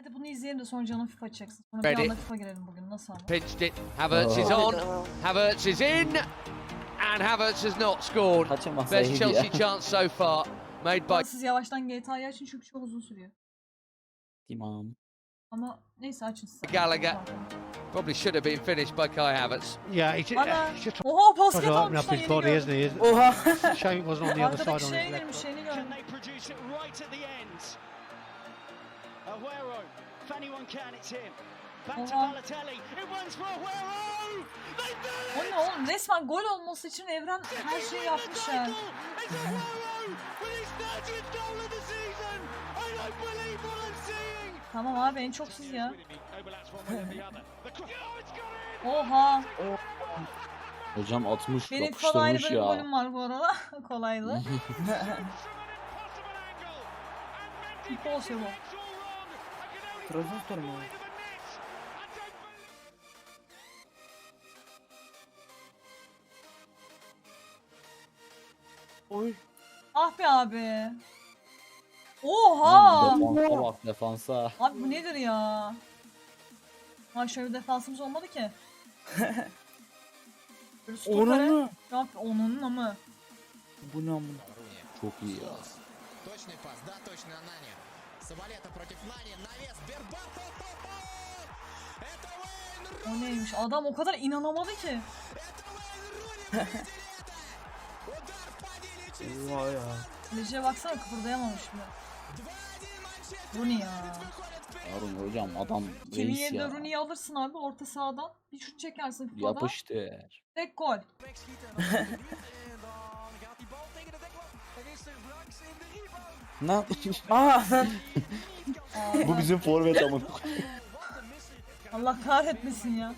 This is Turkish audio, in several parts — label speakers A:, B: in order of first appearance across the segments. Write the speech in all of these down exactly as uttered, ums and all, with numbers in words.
A: Hadi bunu izleyelim de sonra canım FIFA çeksin. Sonra bir
B: Ready.
A: anda FIFA girelim bugün. Nasıl ama?
B: Pinched it. Havertz is on. Havertz is in. And Havertz has not scored.
C: Kaçamazsa
B: Best
C: iyiydi
B: Chelsea
C: ya.
B: chance so far. Made by
A: Siz yavaştan G T A'yı açın çünkü çok uzun sürüyor.
C: Tamam.
A: Ama neyse açın siz.
B: Gallagher. Probably should have been finished by Kai Havertz.
D: Yeah, he's, ju-
A: Bana.
D: he's just
A: Oha
D: trying
A: basket
D: to open
A: almış
D: up
A: lan
D: his
A: yeni
D: body,
A: gördüm.
D: isn't he? Isn't
C: Oha.
D: it? Shame it wasn't on the other side
A: Arkadaki
D: on
A: şeye
D: his left.
A: girmiş yeni gördüm.
E: Can they produce it right at the end? Aguero, if anyone can, it's him. Back to
A: Oha.
E: Balotelli. It runs for Aguero. They've done
A: O
E: it.
A: ne oğlum? Resmen gol olması için Evren her şeyi yapmış ya.
E: It's Aguero with his thirtieth goal of the season. I don't believe what I'm seeing.
A: Tamam abi en çok siz ya.
E: Overlaps one way or the other. The cro- Oh, it's got in.
A: Oha.
C: Hocam atmış,
A: Benim falan ayrı
C: yapıştırmış
A: böyle bir
C: ya.
A: golüm var bu arada. Kolaydı. Impossible.
F: Trabzonspor mu? Oy.
A: Ah be abi. Oha.
C: Defansa bak, defansa.
A: Abi bu nedir ya? Ha şöyle bir defansımız olmadı ki. Böyle stopere-
F: Onun mu?
A: Ya onun ama.
F: Bu ne amına?
C: Çok iyi ya.
G: Точный пас, да, точно Нани. Савалета против Нани, навес, Бербатов. Это Уэйн
A: O neymiş? Adam o kadar inanamadı ki.
F: Oha ya.
A: Kaleciye baksana kıpırdayamamış bile. Rooney ya.
C: Harun hocam adam
A: Kimin
C: reis
A: yerine
C: ya.
A: Rooney'i alırsın abi orta sahadan. Bir şut çekersin FIFA'da.
C: Yapıştır.
A: Tek gol.
C: Ne?
F: Aa.
A: Aa,
C: Bu bizim forvet ama.
A: Allah kahretmesin ya.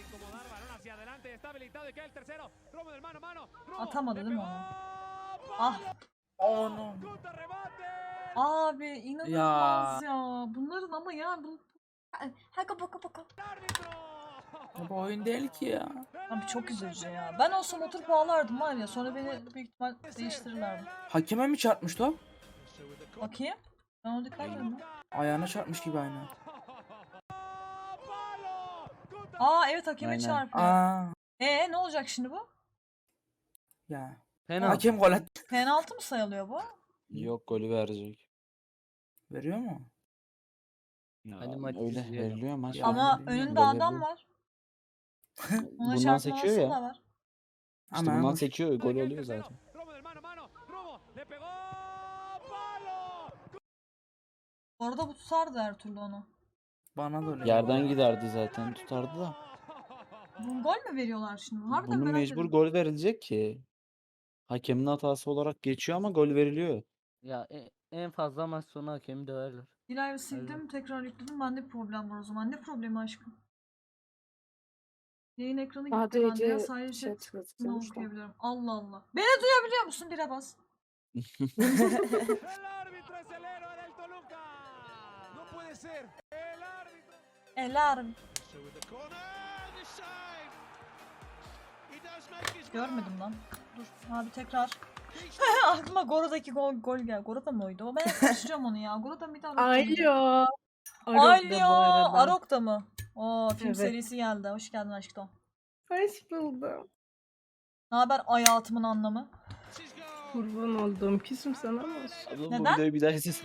A: Atamadı değil mi onu? Ah
F: Onu.
A: abi inanılmaz ya. Bunların ama ya bu Haka baka baka.
F: Bu oyun değil ki ya.
A: Abi çok üzücü ya. Ben olsam oturup ağlardım var ya. Sonra beni büyük ihtimal değiştirirlerdi.
F: Hakeme mi çarpmış top?
A: Bakayım. Ben onu dikkat etmedim.
F: Ayağına çarpmış gibi aynı.
A: Aa evet hakeme
C: Aynen.
A: çarpıyor.
F: Aa.
A: Ee ne olacak şimdi bu?
F: Ya.
C: Penaltı.
F: Hakem gol attı.
A: Penaltı mı sayılıyor bu?
C: Yok, golü verecek.
F: Veriyor mu?
C: Ya,
H: Hadi maç
C: öyle
H: izleyelim.
C: veriliyor maç.
F: Ya,
A: Ama
F: bilmiyorum.
A: önünde
C: Gol
A: adam
C: veriyor.
A: var. Ona
C: Bundan
A: çarpmaması
C: sekiyor ya.
A: da var.
C: İşte
F: Ama
C: bundan sekiyor, gol oluyor zaten.
A: Bu arada bu tutardı her türlü onu.
F: bana da öyle.
C: Yerden giderdi zaten, tutardı da.
A: Bu gol mü veriyorlar şimdi? Harbiden
C: Bunun
A: merak
C: mecbur
A: ettim.
C: gol verilecek ki. Hakemin hatası olarak geçiyor ama gol veriliyor.
H: Ya e- en fazla maç sonu hakemi döverler.
A: İlahi sildim tekrar yükledim. Bende bir problem var o zaman. Ne problemi aşkım? Yayın ekranı gitti bende ya. Sadece ne okuyabiliyorum. Allah Allah. Beni duyabiliyor musun? Bire bas. Elarm. Görmedim lan. Dur abi tekrar. Aklıma Gora'daki gol, gol gel. Gora'da mı oydu? O ben hep karıştırıyorum onu ya. Gora'da mıydı? Arok'ta mıydı?
I: Alo.
A: Alo. Arok'ta mı? Oo film
I: Evet.
A: serisi geldi. Hoş geldin aşkım.
I: Hoş buldum.
A: Ne haber hayatımın anlamı?
I: Kurban oldum. Küsüm sana ama
C: Abla bu
A: Neden?
C: videoyu bir daha izle.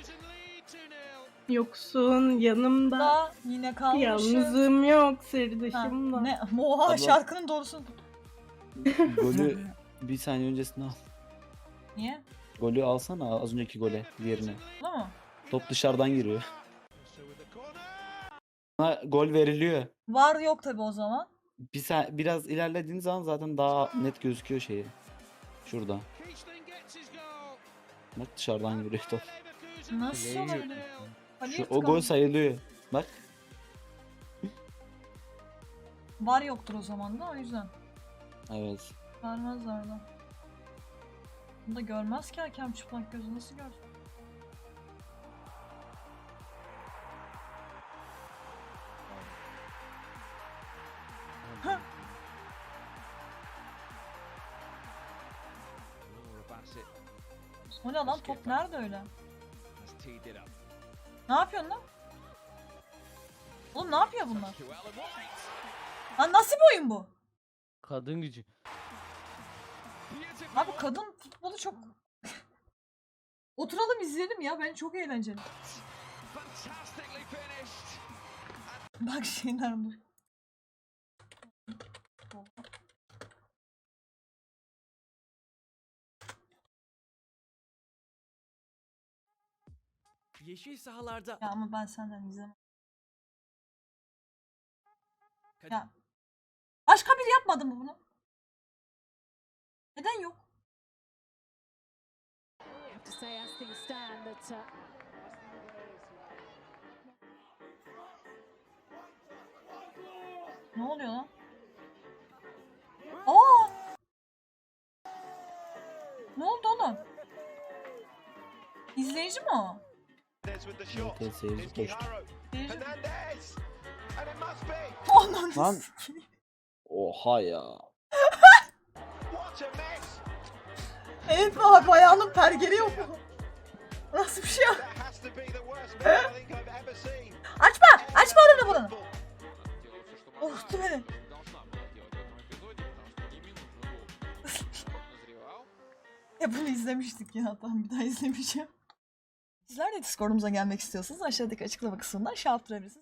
I: yoksun yanımda.
A: Da yine kalmışım.
I: Yalnızım yok
A: Ha,
I: sırdaşımda.
A: ne? Oha
C: Abla-
A: şarkının doğrusu.
C: Golü bir saniye öncesine al.
A: Niye?
C: Golü alsana, az önceki gole, diğerine.
A: Bu mu?
C: Top dışarıdan giriyor. Buna gol veriliyor.
A: Var yok tabi o zaman.
C: Bir sa- biraz ilerlediğin zaman zaten daha net gözüküyor şeyi. Şurada. Bak dışarıdan giriyor top.
A: Nasıl olabilir? Kaleye
C: Şu, o
A: tıkandı.
C: gol sayılıyor. Bak.
A: Var yoktur o zaman da o yüzden.
C: Evet.
A: Vermezler de. Bunu da görmez ki hakem çıplak gözü nasıl görsün? Hah. O ne lan top nerede öyle? Ne yapıyorsun lan? Oğlum ne yapıyor bunlar? Lan nasıl bir oyun bu?
H: Kadın gücü.
A: Abi kadın futbolu çok... Oturalım izleyelim ya. Ben çok eğlenceli.
B: Fantastically finished.
A: Bak şeyler dur.
E: Yeşil sahalarda
A: Ya ama ben senden izlemem. Ya. Başka biri yapmadı mı bunu? Neden yok?
D: To say as things stand that uh,
A: Ne oluyor lan? Aa! Ne oldu oğlum? İzleyici mi o?
C: Evet, evet, seyirci koştu.
A: İzleyici mi?
C: Lan.
A: Lan.
C: Oha ya.
A: Evet bak ayağının pergeli yok mu? Nasıl bir şey ya? Açma! Açma oranı buranı! Korktu beni. Ya bunu izlemiştik ya. Tamam bir daha izlemeyeceğim. Sizler de Discord'umuza gelmek istiyorsanız aşağıdaki açıklama kısmından şey yaptırabilirsiniz.